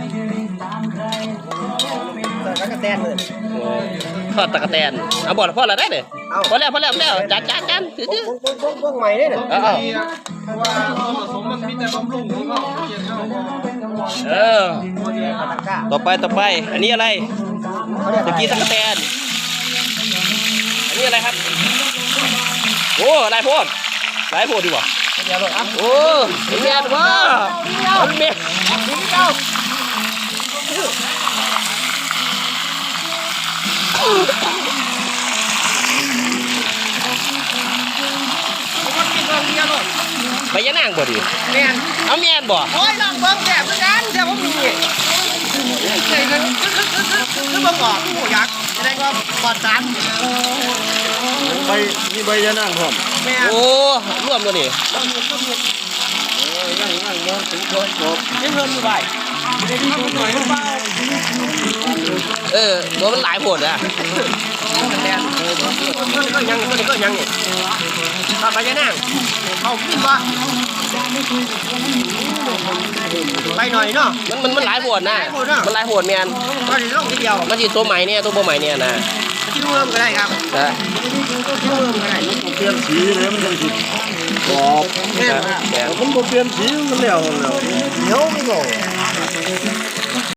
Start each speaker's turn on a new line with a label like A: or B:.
A: ตะกะแตนเลย
B: ทอดตะกะแตนเอาบ่ละพอละได้เลยพอแล้วจานถือ
A: พวกใหม่เนี่ย
B: เอา
C: ว่าผสมมันมีแต่บำรุงของเราเย็นเรา
B: ต่อไปอันนี้อะไรตะกี้ตะกะแตนอันนี้อะไรครับโอ้ลายโพดดีกว่าโอ้เมียนว่าเมียไปยังนางบ่ดิ
A: แม่น
B: เอาเมียนบ่
A: โอ้ยลองเบิ้งแก่เพื่อนกันเดี๋ยวผมมีใช่คือบังออกผู้ยักษ์จะได้ก็ปลอดสาร
C: ใบมีใบยะนางพร้อม
A: แม่
B: โอ้ร่วมตัวนี่
C: นั่งมาถึงครบ
A: ยังเพิ่มอยู่ใบ
B: ตัวมันหลายโพดอ่ะ
A: แม่ก็ยังนี่ทำไปยังนั่งเขาขึ้นบ่ไปหน่อยเนาะ
B: มันหลายโพดนะมันหลายโพดเมียน
A: ก็จะลงทีเดียว
B: มันจีตัวใหม่เนี่ยตัวบ่ใหม่เนี่ยนะ
A: ที่เริ่มก็ได้ครับ
B: นะ
A: ที่เริ่มก็ได้
C: เปลี่ยนสีเลยมันจังสิกรอบ
A: แม่
B: แม่
C: มันบ่เปลี่ยนสีมันแล้ว
A: เดี๋ยวไม่บอก